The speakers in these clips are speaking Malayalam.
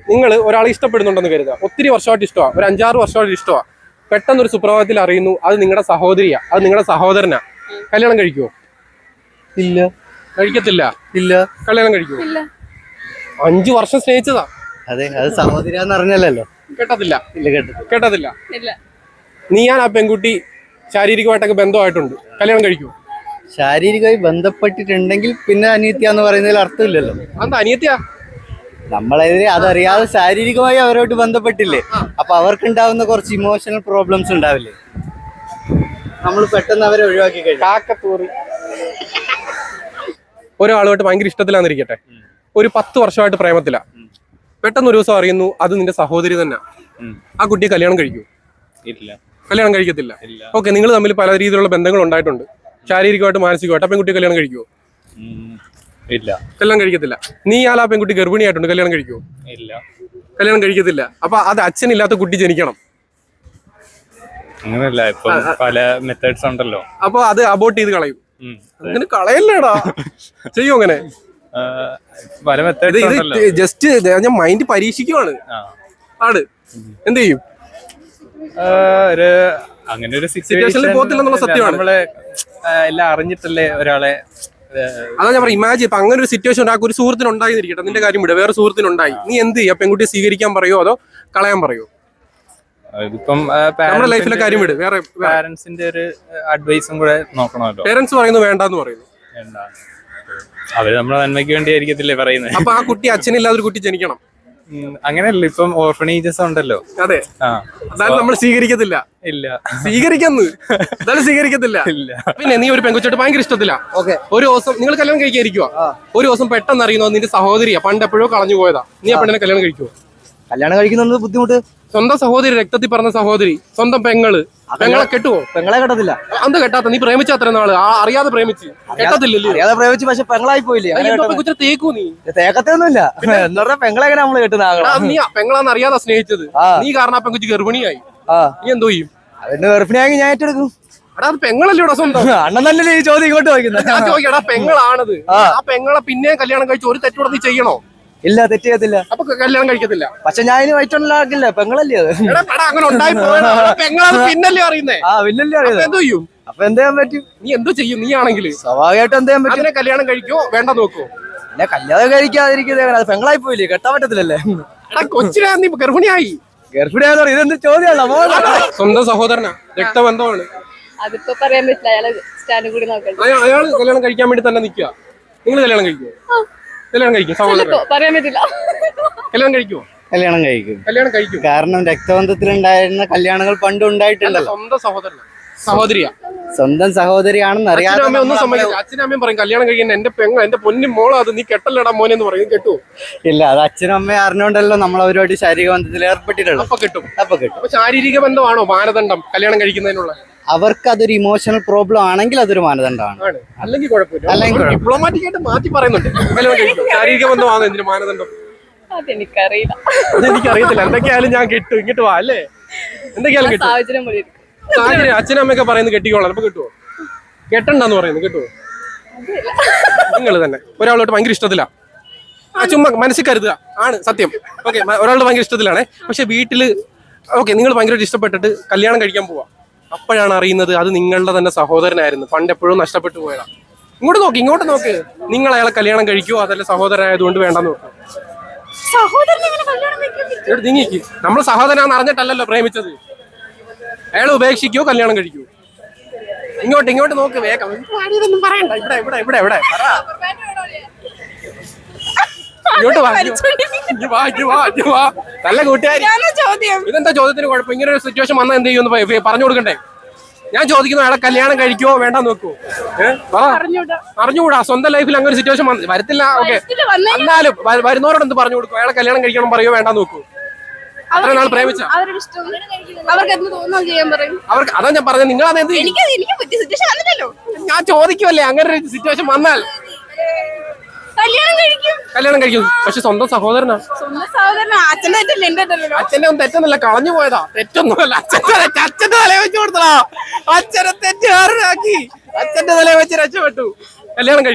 നിങ്ങൾ ഒരാളെ ഇഷ്ടപ്പെടുന്നുണ്ടെന്ന് കരുതുക, ഒത്തിരി വർഷമായിട്ട് ഇഷ്ടമാണ്, ഒരു 5-6 വർഷമായിട്ട് ഇഷ്ടമാണ്, പെട്ടെന്ന് ഒരു സുപ്രഭാതത്തിൽ അറിയുന്നു അത് നിങ്ങളുടെ സഹോദരിയാ, അത് നിങ്ങളുടെ സഹോദരനാ, കല്യാണം കഴിക്കുമോ? ഇല്ല. കഴിക്കത്തില്ല. ഇല്ല. കല്യാണം കഴിക്കുമോ? 5 വർഷം സ്നേഹിച്ചതാ. അതെ, അത് സഹോദരിയാന്ന് അറിഞ്ഞല്ലോ. കേട്ടത്തില്ല. ഇല്ല, കേട്ടത്തില്ല. നീ ഞാൻ ആ പെൺകുട്ടി ശാരീരികമായിട്ടൊക്കെ ബന്ധമായിട്ടുണ്ട്, കല്യാണം കഴിക്കുമോ? ശാരീരികമായി ബന്ധപ്പെട്ടിട്ടുണ്ടെങ്കിൽ പിന്നെ അനിയത്തിയാന്ന് പറയുന്നതിൽ അർത്ഥമില്ലല്ലോ. എന്താ അനിയത്തിയാ? നമ്മളതിന് അതറിയാതെ ശാരീരികമായി അവരോട്ട് ബന്ധപ്പെട്ടില്ലേ, അപ്പൊ അവർക്കുണ്ടാവുന്ന കുറച്ച് ഇമോഷണൽ പ്രോബ്ലംസ് ഉണ്ടാവില്ലേ, നമ്മൾ പെട്ടെന്ന് അവരെ ഒഴിവാക്കി കഴിഞ്ഞു. ഒരാളുമായിട്ട് ഭയങ്കര ഇഷ്ടത്തിലാന്നിരിക്കട്ടെ, ഒരു 10 വർഷമായിട്ട് പ്രേമത്തിലാ, പെട്ടെന്ന് ഒരു ദിവസം അറിയുന്നു അത് നിന്റെ സഹോദരി തന്നെ, ആ കുട്ടിയെ കല്യാണം കഴിക്കൂ? ഇല്ല. കല്യാണം കഴിക്കത്തില്ല. ഓക്കെ, നിങ്ങൾ തമ്മിൽ പല രീതിയിലുള്ള ബന്ധങ്ങൾ ഉണ്ടായിട്ടുണ്ട്, ശാരീരികമായിട്ട് മാനസികമായിട്ട്, ആ പെൺകുട്ടി കല്യാണം കഴിക്കുമോ? ഇല്ല. കല്യാണം കഴിക്കത്തില്ല. നീ ആ പെൺകുട്ടി ഗർഭിണിയായിട്ടുണ്ട്, കല്യാണം കഴിക്കുമോ? ഇല്ല. കല്യാണം കഴിക്കത്തില്ല. അപ്പൊ അത് അച്ഛനില്ലാത്ത കുട്ടി ജനിക്കണം? അങ്ങനെയല്ല, ഇപ്പൊ പല മെത്തേഡ്സ് ഉണ്ടല്ലോ. അപ്പൊ അത് അബോർട്ട് ചെയ്ത് കളയും? അങ്ങനെ കളയല്ലേടാ, ചെയ്യും അങ്ങനെ പല മെത്തേഡ്സ് ഉണ്ടല്ലോ. ജസ്റ്റ് ഞാൻ മൈൻഡ് പരീക്ഷിക്കുവാണ്. ആണ്, എന്ത് ചെയ്യും? അങ്ങനെ ഒരു സിറ്റുവേഷനിൽ പോകത്തില്ലെന്നുള്ള സത്യമാണ്. നമ്മള് എല്ലാം അറിഞ്ഞിട്ടല്ലേ ഒരാളെ. അതാ ഞാൻ പറയാം, ഇമാജിൻ ഇപ്പൊ അങ്ങനെ ഒരു സിറ്റുവേഷൻ ഉണ്ടാക്കും, ഒരു സുഹൃത്തിന് ഉണ്ടായിരിക്കട്ടെ, നിന്റെ കാര്യം വിടുക, വേറെ സുഹൃത്തിനുണ്ടായി, നീ എന്ത് ചെയ്യും? പെൺകുട്ടിയെ സ്വീകരിക്കാൻ പറയോ അതോ കളയാൻ പറയോ? ഇതിപ്പം നമ്മുടെ ലൈഫിലെ കാര്യം വിട്, വേറെ പാരന്റ്സിന്റെ ഒരു അഡ്വൈസും കൂടെ നോക്കണമല്ലോ. പേരൻസ് പറയുന്നത് വേണ്ടെന്ന് പറയുന്നു. അവര് നമ്മളെ നന്മയ്ക്ക് വേണ്ടി ആയിരിക്കത്തില്ലേ പറയുന്നത്. അപ്പൊ ആ കുട്ടി അച്ഛനില്ലാതെ ഒരു കുട്ടി ജനിക്കണം? അങ്ങനെയല്ല, ഇപ്പം ഓർഫനേജസ് ഉണ്ടല്ലോ. അതെ, അതായത് നമ്മൾ സ്വീകരിക്കത്തില്ല. ഇല്ല, സ്വീകരിക്കുന്നു, അതായത് സ്വീകരിക്കത്തില്ല. ഇല്ല. പിന്നെ നീ ഒരു പെൺകുച്ചോട്ട് ഭയങ്കര ഇഷ്ടത്തില്ല, ഒരു ദിവസം നിങ്ങൾ കല്യാണം കഴിക്കാതിരിക്കുവാ, ഒരു ദിവസം പെട്ടെന്ന് അറിയുന്നോ നിന്റെ സഹോദരിയാ, പണ്ട് എപ്പോഴോ കളഞ്ഞു പോയതാ, നീ ആ പെണ്ണിനെ കല്യാണം കഴിക്കുവോ? കല്യാണം കഴിക്കുന്നത് ബുദ്ധിമുട്ട്. സ്വന്തം സഹോദരി, രക്തത്തിൽ പറഞ്ഞ സഹോദരി, സ്വന്തം പെങ്ങളെ കെട്ടുവോ? പെങ്ങളെ കെട്ടത്തില്ല. എന്താ കെട്ടാത്ത? നീ പ്രേമിച്ച അത്ര നാള് അറിയാതെ പ്രേമിച്ച് കെട്ടത്തില്ലല്ലോ. അറിയാതെ പ്രേമിച്ച്, പക്ഷെ പെങ്ങളായി പോയില്ലേ? തേക്കൂ നീ? തേക്കത്തൊന്നുമില്ല. എന്താ പറയാ, പെങ്ങളെ എങ്ങനെ നമ്മള് കെട്ടുന്ന? നീ പെങ്ങളാന്ന് അറിയാതെ സ്നേഹിച്ചത്, നീ കാരണം ആ പെൺകുച്ച് ഗർഭിണിയായി, നീ എന്തോ ചെയ്യും? അതിന് ഗർഭിണിയായി ഞാൻ ഏറ്റെടുക്കും. അത് പെങ്ങളല്ലേ ഇവിടെ സ്വന്തം? അണ്ണൻ തന്നെ ഈ ചോദ്യം ഇങ്ങോട്ട് ചോദിക്കുന്നത്. ഞാൻ ചോദിക്കടാ, പെങ്ങളാണത്, ആ പെങ്ങളെ പിന്നെ കല്യാണം കഴിച്ച് ഒരു തെറ്റൂടെ നീ ചെയ്യണോ? ഇല്ല, തെറ്റ് ചെയ്യത്തില്ല. അപ്പൊ കല്യാണം കഴിക്കത്തില്ല. പക്ഷെ ഞാൻ ഇനി വയറ്റുണ്ടാക്കില്ല, പെങ്ങളല്ലേ അത്. അങ്ങനെ ഉണ്ടായി പെങ്ങളത് പിന്നല്ലേ അറിയുന്നേ? പിന്നല്ലേ അറിയുന്നത്. എന്തോ ചെയ്യും? അപ്പൊ എന്ത് ചെയ്യാൻ പറ്റും? നീ എന്തോ ചെയ്യും? നീ ആണെങ്കിൽ സ്വാഭാവികമായിട്ട് എന്ത് ചെയ്യാൻ പറ്റും? അതിനെ കല്യാണം കഴിക്കോ വേണ്ട നോക്കോ? പിന്നെ കല്യാണം കഴിക്കാതിരിക്കുന്നത് അത് പെങ്ങളായി പോയില്ലേ, കെട്ടാൻ പറ്റത്തില്ലല്ലേ? കൊച്ചിനാ നീ ഗർഭിണിയായി. ഗർഭിണിയാന്ന് പറയും, ഇതെന്ത് ചോദ്യമാണ്? സ്വന്തം സഹോദരനാ, രക്തബന്ധമാണ്. അതിപ്പോ പറയാൻ പറ്റില്ല, അയാള് കല്യാണം കഴിക്കാൻ വേണ്ടി തന്നെ നിക്കുക. നിങ്ങൾ കല്യാണം കഴിക്കുമോ? കല്യാണം കഴിക്കും. സഹോദരൻ പറയാൻ പറ്റില്ല. കല്യാണം കഴിക്കുമോ? കല്യാണം കഴിക്കും. കല്യാണം കഴിക്കും. കാരണം രക്തബന്ധത്തിലുണ്ടായിരുന്ന കല്യാണങ്ങൾ പണ്ട് ഉണ്ടായിട്ടുണ്ടല്ലോ. സ്വന്തം സഹോദരനാ, സഹോദരിയാ, സ്വന്തം സഹോദരിയാണെന്ന് അറിയാതെ ഒന്നും സംഭവിക്കില്ല. അച്ഛനും അമ്മയും പറയും കല്യാണം കഴിക്കാൻ, എന്റെ പെങ്ങൾ, എന്റെ പൊന്നും മോളോ, അത് നീ കെട്ടല്ലടാ മോനെ എന്ന് പറയും. കെട്ടുവോ? ഇല്ല, അത് അച്ഛനും അമ്മയും അറിഞ്ഞോണ്ടല്ലോ നമ്മൾ അവരോട് ശാരീരിക ബന്ധത്തിൽ ഏർപ്പെട്ടിട്ടുള്ളൂ. അപ്പൊ കിട്ടും. അപ്പൊ ശാരീരിക ബന്ധമാണോ മാനദണ്ഡം കല്യാണം കഴിക്കുന്നതിനുള്ള? അവർക്ക് അതൊരു ഇമോഷണൽ പ്രോബ്ലം ആണെങ്കിൽ അതൊരു മാനദണ്ഡമാണ്. അല്ലെങ്കിൽ കുഴപ്പമില്ല. ഡിപ്ലോമാറ്റിക് ആയിട്ട് മാറ്റി പറയുന്നുണ്ട്. കല്യാണം കഴിക്കും, ശാരീരിക ബന്ധമാണ് എന്തിനു മാനദണ്ഡം? അതെനിക്കറിയില്ല. അതെനിക്കറിയത്തില്ല. എന്തൊക്കെയായാലും ഞാൻ കിട്ടും, ഇങ്ങോട്ട് വാ അല്ലേ? എന്തൊക്കെയാലും കിട്ടും. സാഹചര്യം അച്ഛനും അമ്മയൊക്കെ പറയുന്നത് കെട്ടിക്കോളാം, അപ്പൊ കിട്ടുവോ? കെട്ടണ്ടെന്ന് പറയുന്നത് കിട്ടുവോ? നിങ്ങൾ തന്നെ ഒരാളോട്ട് ഭയങ്കര ഇഷ്ടത്തിലാ, ചുമ്മാ മനസ്സിൽ കരുതുക, ആണ് സത്യം. ഓക്കെ, ഒരാളുടെ ഭയങ്കര ഇഷ്ടത്തിലാണേ, പക്ഷെ വീട്ടില് ഓക്കെ നിങ്ങൾ ഭയങ്കരമായിട്ട് ഇഷ്ടപ്പെട്ടിട്ട് കല്യാണം കഴിക്കാൻ പോവാ, അപ്പോഴാണ് അറിയുന്നത് അത് നിങ്ങളുടെ തന്നെ സഹോദരനായിരുന്നു, പണ്ട് എപ്പോഴും നഷ്ടപ്പെട്ടു പോയതാ. ഇങ്ങോട്ട് നോക്ക്. നിങ്ങൾ അയാളെ കല്യാണം കഴിക്കുവോ അതല്ല സഹോദരനായതുകൊണ്ട് വേണ്ടെന്ന് നോക്കും? നീങ്ങിക്ക്. നമ്മൾ സഹോദരനാന്ന് അറിഞ്ഞിട്ടല്ലല്ലോ പ്രേമിച്ചത്. അയാൾ ഉപേക്ഷിക്കോ കല്യാണം കഴിക്കൂ? ഇങ്ങോട്ട് നോക്ക്, വേഗം. ഇതൊന്നും പറയണ്ട. ഇവിടെ ഇങ്ങോട്ട് വാ. നല്ല കൂട്ടുകാരി. ഇതെന്താ ചോദ്യത്തിന് കുഴപ്പം? ഇങ്ങനെ ഒരു സിറ്റുവേഷൻ വന്നാൽ എന്ത് ചെയ്യുമെന്ന് പറഞ്ഞു കൊടുക്കണ്ടേ? ഞാൻ ചോദിക്കുന്നു, അയാളെ കല്യാണം കഴിക്കുവോ വേണ്ട നോക്കൂ? അറിഞ്ഞുകൂടാ. സ്വന്തം ലൈഫിൽ അങ്ങനെ ഒരു സിറ്റുവേഷൻ വരത്തില്ല. ഓക്കെ, എന്നാലും വരുന്നവരോട് എന്ത് പറഞ്ഞു കൊടുക്കും? അയാളെ കല്യാണം കഴിക്കണം പറയോ വേണ്ട നോക്കൂ? അത്ര നാൾ പ്രേമിച്ച അവർക്ക് അതാ ഞാൻ പറഞ്ഞത്. നിങ്ങൾ അതെന്ത്? ഞാൻ ചോദിക്കുമല്ലേ, അങ്ങനെ ഒരു സിറ്റുവേഷൻ വന്നാൽ കല്യാണം കഴിക്കും. പക്ഷെ സ്വന്തം സഹോദരനാ. അച്ഛന്റെ ഒന്നും തെറ്റൊന്നുമില്ല, കളഞ്ഞു പോയതാ. തെറ്റൊന്നുമല്ല, അച്ഛന്റെ തലയെ വെച്ച് കൊടുത്തടാ. അച്ഛനെ തെറ്റുകാരനാക്കി, അച്ഛന്റെ തലയെ വെച്ച് രക്ഷപ്പെട്ടു. കല്യാണം കഴിക്കും.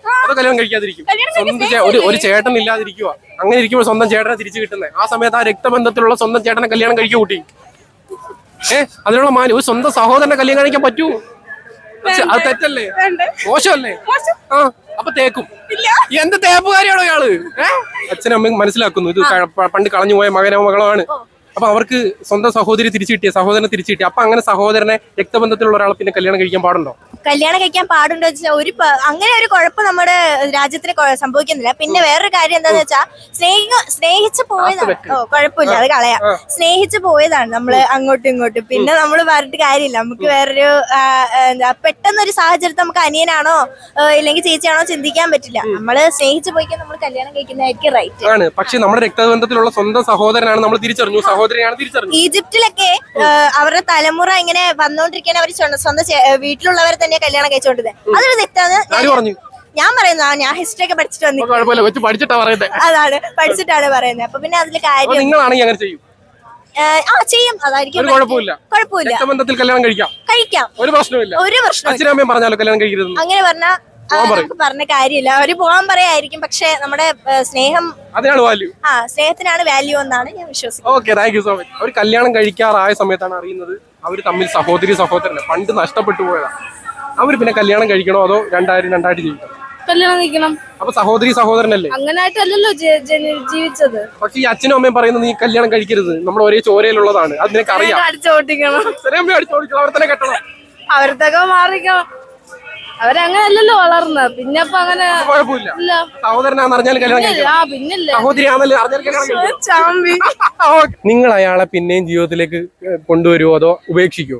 അതോ കല്യാണം കഴിക്കാതിരിക്കും? സ്വന്തം ഒരു ചേട്ടൻ ഇല്ലാതിരിക്കുക, അങ്ങനെ ഇരിക്കുമ്പോൾ സ്വന്തം ചേട്ടനെ തിരിച്ചു കിട്ടുന്നത്. ആ സമയത്ത് ആ രക്തബന്ധത്തിലുള്ള സ്വന്തം ചേട്ടനെ കല്യാണം കഴിക്കുക കൂട്ടി. അതിനുള്ള മാന്യം ഒരു സ്വന്തം സഹോദരനെ കല്യാണം കഴിക്കാൻ പറ്റൂ? അത് തെറ്റല്ലേ? മോശമല്ലേ? ആ അപ്പൊ തേക്കും. എന്ത് തേപ്പുകാരിയാണോ ഇയാള്? അച്ഛനും അമ്മയും മനസ്സിലാക്കുന്നു ഇത് പണ്ട് കളഞ്ഞു പോയ മകനോ മകളോ ആണ്. അപ്പൊ അവർക്ക് സ്വന്തം സഹോദരി തിരിച്ചു കിട്ടിയ, സഹോദരനെ തിരിച്ചു കിട്ടിയ, അപ്പൊ അങ്ങനെ സഹോദരനെ രക്തബന്ധത്തിലുള്ള ഒരാളെ പിന്നെ കല്യാണം കഴിക്കാൻ പാടുണ്ടോ? കല്യാണം കഴിക്കാൻ പാടുണ്ടോ വെച്ചാൽ അങ്ങനെ ഒരു കുഴപ്പം നമ്മുടെ രാജ്യത്തിന് സംഭവിക്കുന്നില്ല. പിന്നെ വേറൊരു കാര്യം എന്താന്ന് വെച്ചാൽ സ്നേഹിച്ചു പോയതാണ്. കുഴപ്പമില്ല, അത് കളയാം. സ്നേഹിച്ചു പോയതാണ് നമ്മള് അങ്ങോട്ടും ഇങ്ങോട്ടും. പിന്നെ നമ്മൾ പറഞ്ഞിട്ട് കാര്യമില്ല. നമുക്ക് വേറൊരു എന്താ പെട്ടെന്നൊരു സാഹചര്യത്തിൽ നമുക്ക് അനിയനാണോ ഇല്ലെങ്കിൽ ചേച്ചിയാണോ ചിന്തിക്കാൻ പറ്റില്ല. നമ്മള് സ്നേഹിച്ചു പോയിക്കാൻ നമ്മൾ കല്യാണം കഴിക്കുന്നതായിരിക്കും റൈറ്റ് ആണ്. പക്ഷെ നമ്മുടെ രക്തബന്ധത്തിലുള്ള സ്വന്തം സഹോദരനാണ് നമ്മൾ തിരിച്ചറിഞ്ഞു, സഹോദരിയാണ് തിരിച്ചറിഞ്ഞു. ഈജിപ്തിലൊക്കെ അവരുടെ തലമുറ ഇങ്ങനെ വന്നോണ്ടിരിക്കാൻ അവർ സ്വന്തം വീട്ടിലുള്ളവരെ തന്നെ കല്യാണം കഴിച്ചോണ്ടിരുന്നത്. അതൊരു തെറ്റാണ് ഞാൻ പറയുന്നത്. ഞാൻ ഹിസ്റ്ററി ഒക്കെ പഠിച്ചിട്ട് വന്നിട്ടുണ്ട്. അതാണ് പഠിച്ചിട്ടാണ് പറയുന്നത്. അപ്പൊ പിന്നെ അതില് കാര്യം ചെയ്യും. അതായിരിക്കും കുഴപ്പമില്ല. കഴിക്കാം, ഒരു പ്രശ്നമില്ല. അങ്ങനെ പറഞ്ഞാൽ പറഞ്ഞ കാര്യമില്ല. അവര് പോകാൻ പറയായിരിക്കും. പക്ഷെ നമ്മുടെ സ്നേഹം, സ്നേഹത്തിനാണ് വാല്യൂ എന്നാണ് ഞാൻ വിശ്വസിക്കുന്നത്. അവർ കല്യാണം കഴിക്കാറായ സമയത്താണ് അറിയുന്നത് അവർ തമ്മിൽ സഹോദരി സഹോദരനെ പണ്ട് നഷ്ടപ്പെട്ടു പോയതാണ്. അവർ പിന്നെ കല്യാണം കഴിക്കണോ അതോ രണ്ടായിട്ട് ജീവിക്കണം? കല്യാണം കഴിക്കണം. അപ്പൊ സഹോദരി സഹോദരനല്ലേ? അങ്ങനായിട്ടല്ലല്ലോ ജീവിച്ചത്. പക്ഷെ ഈ അച്ഛനും അമ്മയും പറയുന്നത് നീ കല്യാണം കഴിക്കരുത്, നമ്മൾ ഒരേ ചോരയിലുള്ളതാണ്, അത് നിനക്ക് അറിയാം. അടിച്ചോട്ടിക്കണം, അവർ തന്നെ കെട്ടണം, അവരത്തൊക്കെ മാറിക്കണം. അവരങ്ങനല്ലല്ലോ വളർന്നത്. പിന്നെ അപ്പൊ അങ്ങനെ കുഴപ്പമില്ല. സഹോദരനാന്ന് അറിഞ്ഞാൽ കല്യാണം കഴിക്കണം, സഹോദരിയാണെന്ന് അറിഞ്ഞാൽ കല്യാണം കഴിക്കണം. നിങ്ങൾ അയാളെ പിന്നെയും ജീവിതത്തിലേക്ക് കൊണ്ടുവരുമോ അതോ ഉപേക്ഷിക്കുമോ?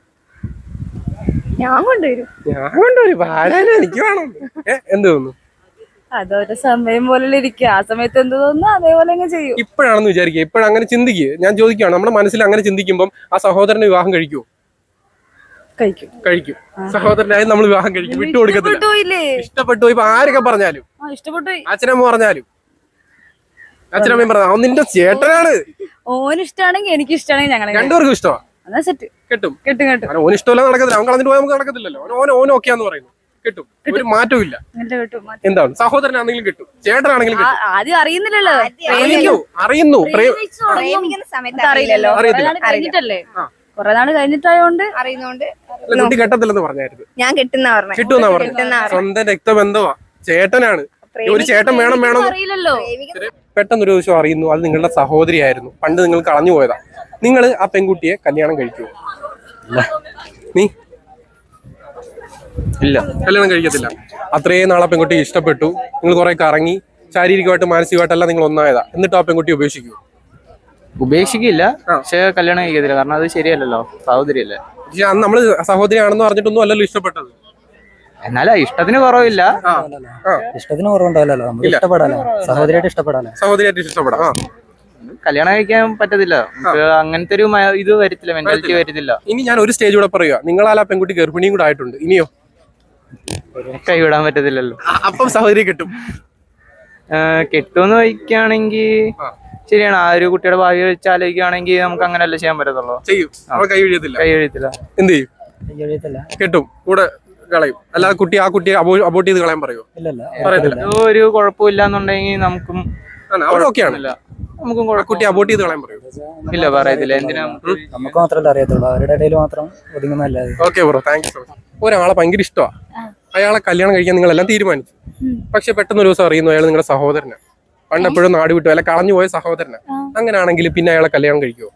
ഞാൻ കൊണ്ടുവരും. എനിക്ക് വേണം. എന്ത് തോന്നുന്നു? അതൊരു സമയം പോലെ ഇരിക്കുക. ആ സമയത്ത് എന്ത് തോന്നുന്നു അതേപോലെ അങ്ങ് ചെയ്യും. ഇപ്പോഴാണെന്ന് വിചാരിക്കുക, ഇപ്പോഴങ്ങനെ ചിന്തിക്കുക. ഞാൻ ചോദിക്കുകയാണ്, നമ്മുടെ മനസ്സിൽ അങ്ങനെ ചിന്തിക്കുമ്പോൾ ആ സഹോദരനെ വിവാഹം കഴിക്കുമോ? കഴിക്കും. സഹോദരനായി നമ്മൾ വിവാഹം കഴിക്കും, വിട്ടുകൊടുക്കത്തില്ല. ഇഷ്ടപ്പെട്ടു ഇപ്പൊ ആരൊക്കെ പറഞ്ഞാലും, അച്ഛനമ്മ പറഞ്ഞാലും, അച്ഛനമ്മയും പറഞ്ഞാൽ നിന്റെ ചേട്ടനാണ്, ഓന് ഇഷ്ടമാണെങ്കിൽ എനിക്ക് ഇഷ്ടമാണെങ്കിൽ ഞങ്ങൾ രണ്ടുപേർക്കും ഇഷ്ടമാണ്. കിട്ടും. ഓന് ഇഷ്ടമല്ല നടക്കത്തില്ല, അവൻ കളഞ്ഞിട്ട് പോയാൽ നമുക്ക് നടക്കത്തില്ലല്ലോ. ഓൻ ഓക്കെയാന്ന് പറയുന്നു, കിട്ടും, ഒരു മാറ്റവും ഇല്ല. എന്താണ് സഹോദരനാണെങ്കിലും കിട്ടും, ചേട്ടനാണെങ്കിലും കിട്ടും. ആദ്യം അറിയുന്നില്ലല്ലോ, അറിയുന്നു, അറിയില്ലല്ലോ, കൊറേ നാള് കഴിഞ്ഞിട്ടായോണ്ട് അറിയുന്നോണ്ട്. കുട്ടി കെട്ടത്തില്ലെന്ന് പറഞ്ഞായിരുന്നു. ഞാൻ കിട്ടുന്ന പറഞ്ഞു. സ്വന്തം രക്തബന്ധമാ, ചേട്ടനാണ്. ഒരു ചേട്ടൻ വേണം. അറിയില്ലല്ലോ. പെട്ടെന്നൊരു ദിവസം അറിയുന്നു അത് നിങ്ങളുടെ സഹോദരിയായിരുന്നു, പണ്ട് നിങ്ങൾ കളഞ്ഞു പോയതാ. നിങ്ങൾ ആ പെൺകുട്ടിയെ കല്യാണം കഴിക്കുമോ? നീ ഇല്ല, കല്യാണം കഴിക്കത്തില്ല. അത്രയും നാളെ പെൺകുട്ടി ഇഷ്ടപ്പെട്ടു, നിങ്ങൾ കുറെ കറങ്ങി, ശാരീരികമായിട്ട് മാനസികമായിട്ടെല്ലാം നിങ്ങൾ ഒന്നായതാ. എന്നിട്ട് ആ പെൺകുട്ടി ഉപേക്ഷിക്കുമോ? ഉപേക്ഷിക്കില്ല, പക്ഷെ കല്യാണം കഴിക്കത്തില്ല. കാരണം അത് ശരിയല്ലല്ലോ, സഹോദരിയല്ലേ. പക്ഷെ അന്ന് നമ്മള് സഹോദരിയാണെന്ന് പറഞ്ഞിട്ടൊന്നും അല്ലല്ലോ ഇഷ്ടപ്പെട്ടത്. എന്നാലും ഇഷ്ടത്തിന് കുറവില്ല. ഇഷ്ടത്തിന് കുറവുണ്ടാവില്ലല്ലോ, നമുക്ക് ഇഷ്ടപ്പെടാലോ, സഹോദരിയായിട്ട് ഇഷ്ടപ്പെടാം. കല്യാണം കഴിക്കാൻ പറ്റത്തില്ല, അങ്ങനത്തെ ഒരു ഇത് വരത്തില്ല, മെന്റാലിറ്റി വരത്തില്ല. ഇനി ഞാൻ ഒരു സ്റ്റേജ് കൂടെ പറയുക, നിങ്ങളാൽ ആ പെൺകുട്ടി ഗർഭിണിയും കൂടെ ആയിട്ടുണ്ട്, ഇനിയോ? കൈവിടാൻ പറ്റത്തില്ലല്ലോ. അപ്പം സഹോദരി കിട്ടും. കെട്ടുമെന്ന് വയ്ക്കുകയാണെങ്കിൽ ശരിയാണ്. ആ ഒരു കുട്ടിയുടെ ഭാവി വെച്ച് ആലോചിക്കുകയാണെങ്കിൽ നമുക്ക് അങ്ങനെയല്ല ചെയ്യാൻ പറ്റത്തുള്ളൂ. കൈ വീഴത്തില്ല. എന്ത് ചെയ്യും? കെട്ടും, കൂടെ കളയും. അല്ലാതെ ആ കുട്ടിയെ അബോർട്ട് ചെയ്ത് കളയാൻ പറയുമോ? പറയത്തില്ല. ഒരു കുഴപ്പമില്ലാന്നുണ്ടെങ്കിൽ നമുക്കും കുട്ടി അബോർട്ട് ചെയ്ത് കളയാൻ പറയും? ഇല്ല, പറയത്തില്ല. എന്തിനാ? നമുക്ക് മാത്രമല്ല അറിയത്തുള്ളൂ, അവരുടെ ഇടയിൽ മാത്രം ഒതുങ്ങുന്നതല്ലാതെ. Okay bro, thank you so much. ഒരാളെ ഭയങ്കര ഇഷ്ടമാണ്, അയാളെ കല്യാണം കഴിക്കാൻ നിങ്ങളെല്ലാം തീരുമാനിച്ചു. പക്ഷെ പെട്ടെന്ന് ഒരു ദിവസം അറിയുന്നു അയാൾ നിങ്ങളുടെ സഹോദരനാണ്, പണ്ടെപ്പോഴും നാട് വിട്ടു അല്ല കളഞ്ഞു പോയ സഹോദരനാണ്. അങ്ങനെയാണെങ്കിൽ പിന്നെ അയാളെ കല്യാണം കഴിക്കുമോ?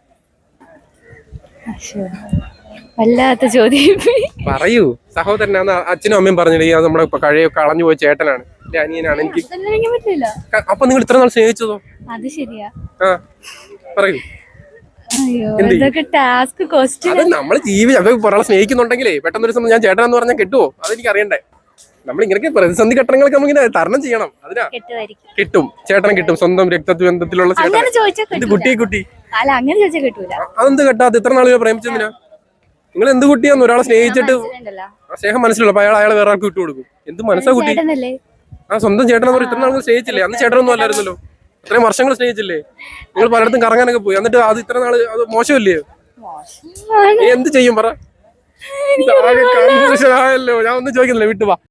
വല്ലാത്ത ചോദ്യം. പറയൂ. സഹോദരനാന്ന് അച്ഛനും അമ്മയും പറഞ്ഞില്ലേ, അത് നമ്മുടെ കളഞ്ഞു പോയ ചേട്ടനാണ്, എന്റെ അനിയനാണ്, എനിക്ക് പറ്റില്ല. അപ്പൊ നിങ്ങൾ ഇത്ര നാൾ സ്നേഹിച്ചതോ? അത് ശരിയാ. പറയൂ. അത് നമ്മള് ഒരാളെ സ്നേഹിക്കുന്നുണ്ടെങ്കിലേ പെട്ടെന്നൊരു സമയം ഞാൻ ചേട്ടനാന്ന് പറഞ്ഞാൽ കെട്ടുവോ? അതെനിക്ക് അറിയണ്ടേ. നമ്മൾ ഇങ്ങനെ പ്രതിസന്ധി ഘട്ടങ്ങളൊക്കെ നമ്മളിങ്ങനെ തരണം ചെയ്യണം. അതിനാ കിട്ടും, ചേട്ടനെ കിട്ടും, സ്വന്തം രക്തബന്ധത്തിലുള്ള ചേട്ടൻ. കുട്ടി അതെന്ത് കെട്ടാ? ഇത്ര നാളുകൾ പ്രേമിച്ചെന്തിനാ? നിങ്ങൾ എന്ത് കുട്ടിയാന്ന് ഒരാളെ സ്നേഹിച്ചിട്ട് സ്നേഹം മനസ്സിലുള്ള അയാളെ വേറെ ആൾക്ക് വിട്ടു കൊടുക്കും? എന്ത് മനസ്സാ കുട്ടി? സ്വന്തം ചേട്ടനെന്ന് ഇത്ര നാളുകൾ സ്നേഹിച്ചില്ലേ? അന്ന് ചേട്ടനൊന്നും അല്ലായിരുന്നല്ലോ, ഇത്രയും വർഷങ്ങൾ സ്നേഹിച്ചില്ലേ? നിങ്ങൾ പലയിടത്തും കറങ്ങാനൊക്കെ പോയി, എന്നിട്ട് അത് ഇത്ര നാള് അത് മോശമല്ലേ? എന്ത് ചെയ്യും പറ? ഞാൻ ഒന്നും ചോദിക്കുന്നില്ല, വിട്ടുവാ.